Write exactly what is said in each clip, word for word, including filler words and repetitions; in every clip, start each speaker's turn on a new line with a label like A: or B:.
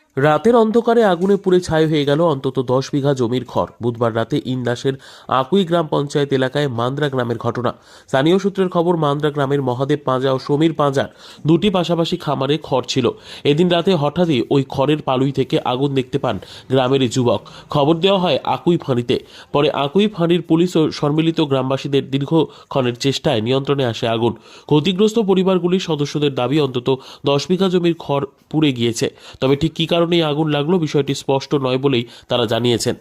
A: রাতের অন্ধকারে আগুনে পুড়ে ছাই হয়ে গেল অন্তত দশ বিঘা জমির খড়। বুধবার রাতে ইন্দাসের আকুই গ্রাম পঞ্চায়েত এলাকায় মান্দ্রা গ্রামের ঘটনা। স্থানীয় সূত্রের খবর, মান্দ্রা গ্রামের মহাদেব পাঁজা ও সমীর পাঁজার দুটি পাশাপাশি খামারে খড় ছিল। এদিন রাতে হঠাৎই ওই খড়ের পালুই থেকে আগুন দেখতে পান গ্রামের এই যুবক। খবর দেওয়া হয় আকুই ফাঁড়িতে। পরে আকুই ফাঁড়ির পুলিশ ও সম্মিলিত গ্রামবাসীদের দীর্ঘক্ষণের চেষ্টায় নিয়ন্ত্রণে আসে আগুন। ক্ষতিগ্রস্ত পরিবারগুলির সদস্যদের দাবি অন্তত দশ বিঘা জমির খড় পুড়ে গিয়েছে। তবে ঠিক কী কারণে আগুন লাগলো বিষয়টি স্পষ্ট নয় বলেই তারা জানিয়েছেন।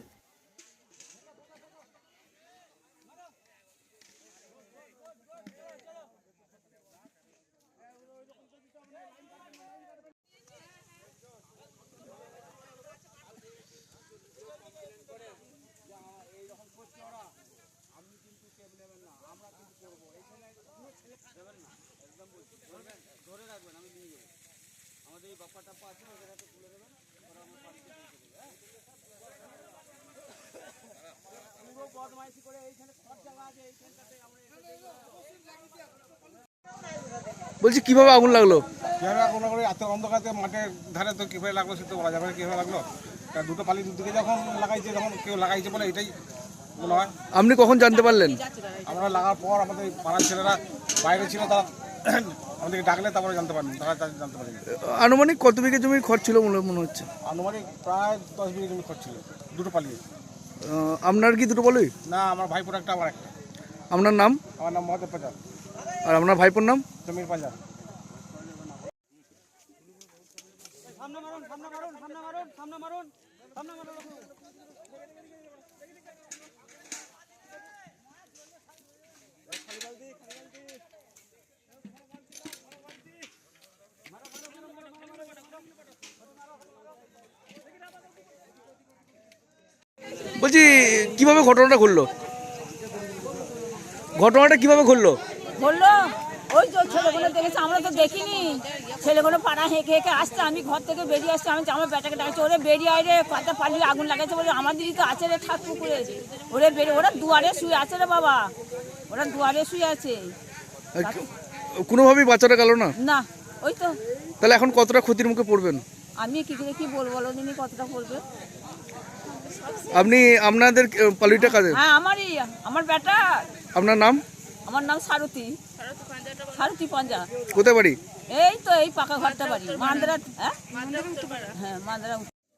B: বলছি কিভাবে আগুন লাগলো?
C: কিভাবে আগুন লাগলো এত অন্ধকারে মাঠের ধারে তো কীভাবে লাগলো সে তো বলা যাবে না কীভাবে লাগলো। তা দুটো পালি দুদিকে যখন লাগাইছে যখন কেউ লাগাইছে বলে এটাই মনে হয়।
B: আপনি কখন জানতে পারলেন?
C: আমরা লাগার পর আমাদের পাড়ার ছেলেরা বাইরে ছিল, তারা আমাদেরকে ডাকলে তারপরে জানতে পারেন, তারা জানতে পারেন।
B: আনুমানিক কত বিঘা জমির খরচ ছিল বলে মনে হচ্ছে?
C: আনুমানিক প্রায় দশ বিঘা জমি খরচ ছিল দুটো পালি।
B: আহ, আপনার কি দুটো বলই?
C: না, আমার ভাইপোর একটা, আমার একটা।
B: আপনার নাম?
C: আমার নাম মহাদেব পাঁজা।
B: আর আপনার ভাইপোর নাম?
C: জমির পাঁজা।
B: বলছি কিভাবে ঘটনাটা ঘটলো? ঘটনাটা কিভাবে ঘটলো?
D: বললো ওই তো ছেলেগুলো দেখেছে, আমরা তো দেখিনি। ছেলেগুলো পাড়া হেঁকে হেঁকে আসছে, আমি ঘর থেকে বেরিয়ে আসছি, আমি আমার বেটাকে ডাকছি, ওরে বেরিয়ে আয় রে, কথা পালিয়ে আগুন লাগাইছে বলে। আমাদেরই তো আছে রে ঠাক পুকুরে, ওরে বেরিয়ে, ওরা দুয়ারে শুয়ে আছে রে বাবা, ওরা দুয়ারে শুয়ে আছে।
B: কোনোভাবেই বাঁচাটা গেল না?
D: না, ওই তো।
B: তাহলে এখন কতটা ক্ষতির মুখে পড়বেন?
D: আমি কি করে কি বলবো বলো দিনই, কতটা পড়বে।
B: আপনি আপনাদের পালিটা কাজে?
D: হ্যাঁ, আমারই, আমার বেটা।
B: আপনার নাম?
D: আমার নাম সারথী, সারথী পাঁজা।
B: কোথায় বাড়ি?
D: এই তো এই পাকা ঘরটা বাড়ি মান্দ্রা। হ্যাঁ হ্যাঁ, মান্দ্রা।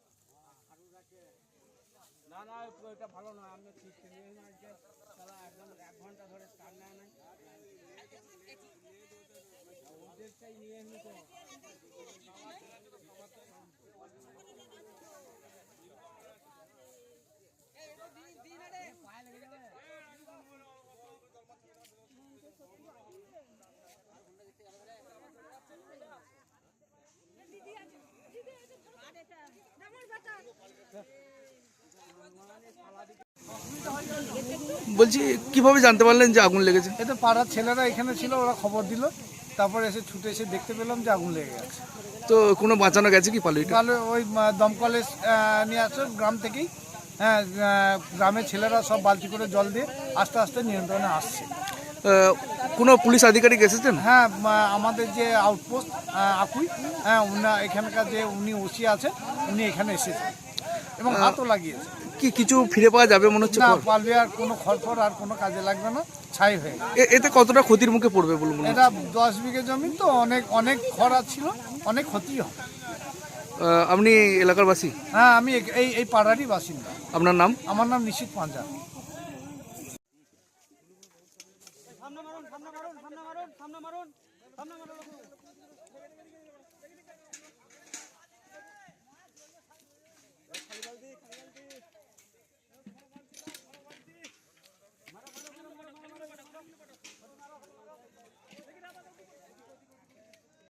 B: বলছি কিভাবে জানতে পারলেন যে আগুন লেগেছে?
C: এই তো পাড়ার ছেলেরা এখানে ছিল, ওরা খবর দিল, তারপরে এসে ছুটে এসে দেখতে পেলাম যে আগুন লেগে গেছে।
B: তো কোনো বাঁচানো গেছে কি পালিটা?
C: তাহলে ওই দমকলে নিয়ে আসে গ্রাম থেকেই। হ্যাঁ, গ্রামের ছেলেরা সব বালতি করে জল দিয়ে আস্তে আস্তে নিয়ন্ত্রণে আসছে।
B: আহ, কোনো পুলিশ আধিকারিক এসেছেন?
C: হ্যাঁ, আমাদের যে আউটপোস্ট আকুই, হ্যাঁ, উনি এখানকার যে উনি ওসি আছেন, উনি এখানে এসেছেন এবং হাতও লাগিয়েছে।
B: কি কিছু ফিরে পাওয়া যাবে মনে হচ্ছে?
C: না, পারবে আর কোনো খড়ফড় আর কোনো কাজে লাগবে না, ছাই হয়ে গেছে।
B: এ- এতে কতটা ক্ষতির মুখে পড়বে বলুন?
C: এটা দশ বিঘে জমি তো, অনেক অনেক খরা ছিল, অনেক ক্ষতি হয়।
B: আপনি এলাকার বাসী?
C: হ্যাঁ, আমি এই এই পাড়ারই বাসিন্দা।
B: আপনার নাম?
C: আমার নাম নিশিত পাঁজা। সামনে মারুন, সামনে মারুন, সামনে মারুন, সামনে মারুন, সামনে মারুন।